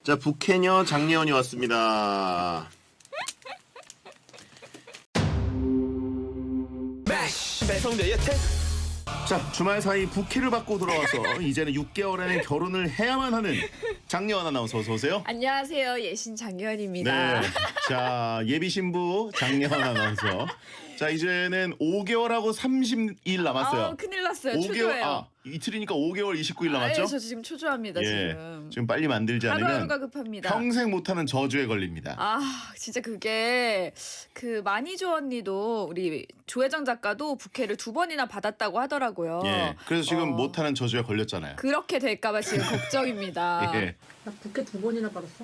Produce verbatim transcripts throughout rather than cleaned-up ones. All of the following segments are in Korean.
자, 북해녀 장례원이 왔습니다. 배성재 여태 자, 주말 사이 부케를 받고 돌아와서 이제는 육 개월 안에 결혼을 해야만 하는 장례원 아나운서 어서 오세요. 안녕하세요. 예신 장혜원입니다. 네. 자, 예비 신부 장례원 아나운서. 자, 이제는 오 개월하고 삼십 일 남았어요. 아, 큰일 났어요. 오 개월, 초조해요. 아, 이틀이니까 오 개월 이십구 일 남았죠? 아, 예, 저 지금 초조합니다. 예. 지금. 지금 빨리 만들지 않으면 하루하루가 급합니다. 평생 못하는 저주에 걸립니다. 아, 진짜 그게 그 마니조 언니도 우리 조혜정 작가도 부케를 두 번이나 받았다고 하더라고요. 예. 그래서 지금 어, 못하는 저주에 걸렸잖아요. 그렇게 될까봐 지금 걱정입니다. 예. 나 부케 두 번이나 받았어.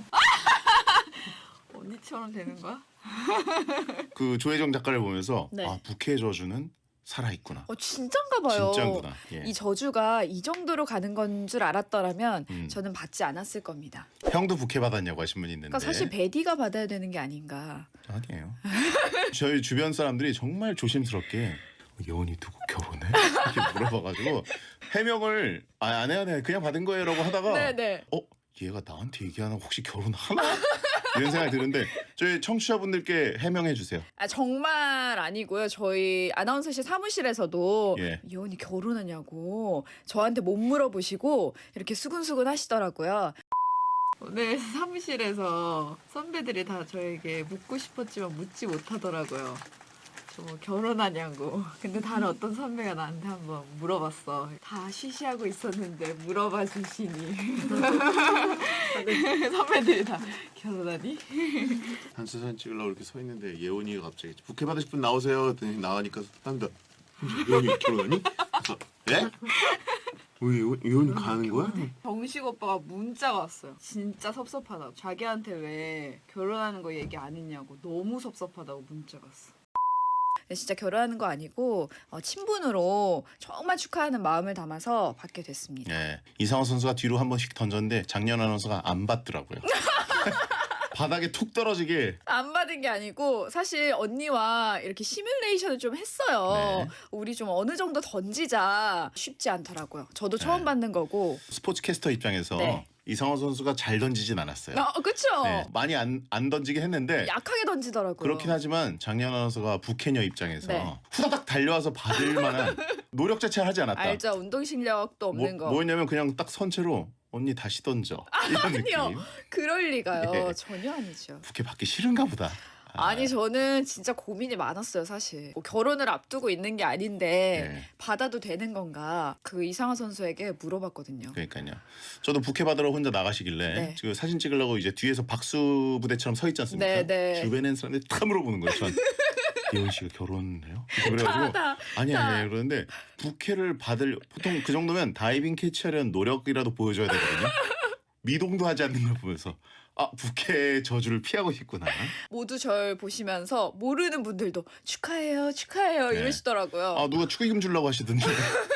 언니처럼 되는 거야? 그 조혜정 작가를 보면서 네. 아, 부케의 저주는 살아있구나. 어, 진짠가 봐요. 진짜구나. 예. 이 저주가 이 정도로 가는 건 줄 알았더라면 음. 저는 받지 않았을 겁니다. 형도 부케 받았냐고 하신 분이 있는데. 그러니까 사실 베디가 받아야 되는 게 아닌가. 아니에요. 저희 주변 사람들이 정말 조심스럽게 예원이 누구 결혼해? 이렇게 물어봐가지고 해명을 아, 안 해야 돼 그냥 받은 거예요라고 하다가 네네. 어 얘가 나한테 얘기하나 혹시 결혼하나? 이런 생각이 드는데 저희 청취자분들께 해명해 주세요. 아 정말 아니고요. 저희 아나운서실 사무실에서도 예. 예원이 결혼하냐고 저한테 못 물어보시고 이렇게 수근수근 하시더라고요. 오늘 사무실에서 선배들이 다 저에게 묻고 싶었지만 묻지 못하더라고요. 저 뭐 결혼하냐고. 근데 다른 어떤 선배가 나한테 한번 물어봤어. 다 쉬쉬하고 있었는데 물어봐 주시니. 선배들이 다 결혼하니? 단체 사진 찍으려고 이렇게 서 있는데 예원이가 갑자기 부케 받으실 분 나오세요 했더니 나가니까 사람들 예원이 결혼하니? 그래서 예? 왜 예원, 예원이 가는 거야? 정식 오빠가 문자가 왔어요. 진짜 섭섭하다고. 자기한테 왜 결혼하는 거 얘기 안 했냐고. 너무 섭섭하다고 문자가 왔어. 진짜 결혼하는 거 아니고 어, 친분으로 정말 축하하는 마음을 담아서 받게 됐습니다. 예, 이상호 선수가 뒤로 한 번씩 던졌는데 장년 아나운서가 안 받더라고요. 바닥에 툭 떨어지게. 안 받은 게 아니고 사실 언니와 이렇게 시뮬레이션을 좀 했어요. 네. 우리 좀 어느 정도 던지자. 쉽지 않더라고요. 저도 처음 네. 받는 거고. 스포츠 캐스터 입장에서 네. 이상호 선수가 잘 던지진 않았어요. 어, 그쵸? 네, 많이 안, 안 던지긴 했는데 약하게 던지더라고요. 그렇긴 하지만 장년 아나운서가 부캐녀 입장에서 네. 후다닥 달려와서 받을 만한 노력 자체를 하지 않았다. 알죠. 운동 실력도 없는 뭐, 거. 뭐였냐면 그냥 딱 선체로 언니 다시 던져 이런 아니요. 느낌. 그럴 리가요. 예. 전혀 아니죠. 부캐 받기 싫은가 보다. 아, 아니 저는 진짜 고민이 많았어요 사실. 뭐 결혼을 앞두고 있는 게 아닌데 네. 받아도 되는 건가 그 이상한 선수에게 물어봤거든요. 그러니까요. 저도 부캐 받으러 혼자 나가시길래 네. 지금 사진 찍으려고 이제 뒤에서 박수 부대처럼 서 있지 않습니까? 네, 네. 주변에 있는 사람들이 다 물어보는 거예요. 전 예원 씨가 결혼해요? 그래가지고 다, 아니 다. 아니 그러는데 부캐를 받을 보통 그 정도면 다이빙 캐치하려는 노력이라도 보여줘야 되거든요. 미동도 하지 않는 걸 보면서 아 부캐의 저주를 피하고 싶구나. 모두 절 보시면서 모르는 분들도 축하해요 축하해요 네. 이러시더라고요. 아 누가 축의금 주려고 하시던데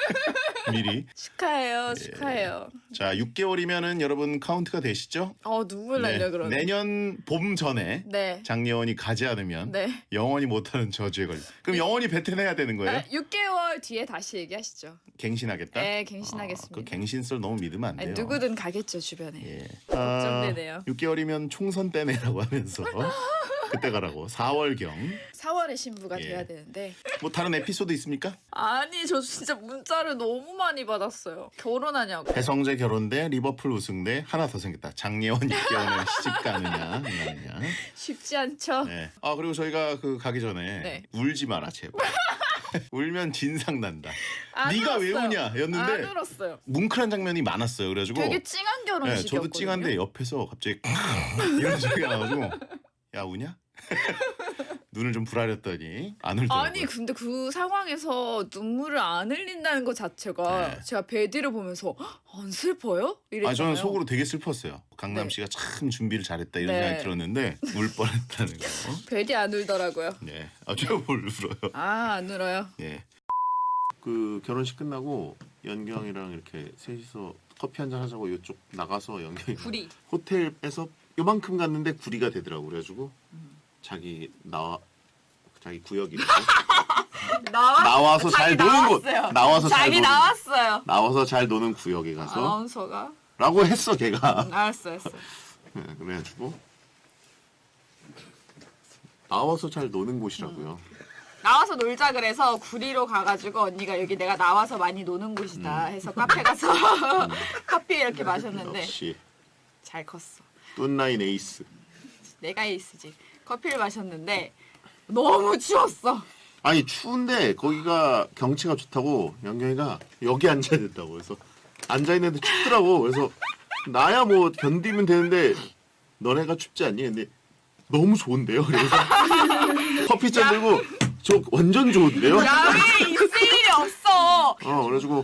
미리. 축하해요 축하해요. 자 육 개월이면은 여러분 카운트가 되시죠? 어 눈물 네. 날려 그러네. 내년 봄 전에 네. 장례원이 가지 않으면 네. 영원히 못하는 저주에 걸려. 그럼 영원히 뱉어내야 되는 거예요? 아, 육 개월 뒤에 다시 얘기하시죠. 갱신하겠다? 네 갱신하겠습니다. 아, 그 갱신설 너무 믿으면 안 돼요. 아니, 누구든 가겠죠 주변에. 예. 걱정되네요. 아, 육 개월이면 총선 때네라고 하면서 그때 가라고. 사월경. 사월에 신부가 예. 돼야 되는데 뭐 다른 에피소드 있습니까? 아니 저 진짜 문자를 너무 많이 받았어요. 결혼하냐고. 배성재 결혼 대 리버풀 우승 대 하나 더 생겼다. 장례원 육 개월에 시집 가느냐 안 가느냐. 쉽지 않죠. 네. 아 그리고 저희가 그 가기 전에 네. 울지 마라 제발. 울면 진상 난다. 안 네가 왜 울었어요. 우냐였는데 안 울었어요. 뭉클한 장면이 많았어요. 그래가지고 되게 찡한 네, 결혼식이었거든요. 저도 찡한데 옆에서 갑자기 이런 소리가 나가지고 야 우냐? 눈을 좀 부라렸더니 안 울더라고요. 아니 근데 그 상황에서 눈물을 안 흘린다는 것 자체가 네. 제가 베디를 보면서 "헉, 안 슬퍼요? 이랬잖아요. 아 저는 속으로 되게 슬펐어요. 강남 네. 씨가 참 준비를 잘했다 이런 네. 생각이 들었는데 울 뻔했다는 거. 베디 안 울더라고요. 네, 아저뭘 울어요. 아 안 울어요. 예. 그 결혼식 끝나고 연경이랑 이렇게 셋이서 커피 한잔 하자고 이쪽 나가서 연경이 구리. 호텔에서 요만큼 갔는데 구리가 되더라고. 그래가지고 자기 나와 자기 구역이고 나와 나와서 잘 자기 노는 곳 나왔어요. 나와서 잘 자기 노는 나왔어요. 나와서 잘 노는 구역에 가서 아나운서가 라고 했어 걔가. 응, 알았어 알았어. 네, 그래가지고 나와서 잘 노는 곳이라고요. 나와서 놀자 그래서 구리로 가가지고 언니가 여기 내가 나와서 많이 노는 곳이다 음. 해서 카페 가서 커피 이렇게 마셨는데 역시 잘 컸어. 뚠라인 에이스. 내가 에이스지. 커피를 마셨는데 너무 추웠어. 아니 추운데 거기가 경치가 좋다고 영경이가 여기 앉아야 된다고 그래서 앉아 있는데 춥더라고. 그래서 나야 뭐 견디면 되는데 너네가 춥지 않니? 근데 너무 좋은데요. 그래서 커피잔 들고 저 완전 좋은데요. 야외에 있을 일이 없어. 어 그래가지고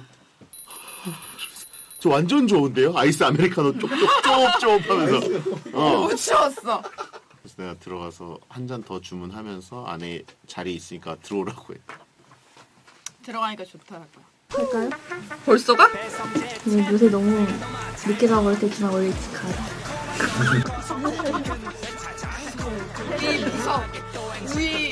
저 완전 좋은데요. 아이스 아메리카노 쪽쪽쪽쪽 하면서 어 너무 추웠어. 그래서 내가 들어가서 한 잔 더 주문하면서 안에 자리 있으니까 들어오라고 해. 들어가니까 좋더라고요. 할까요? 벌써 가? 네, 요새 너무 늦게 가고 이렇게 지나 원래 일찍 가요. 우리 무서 우리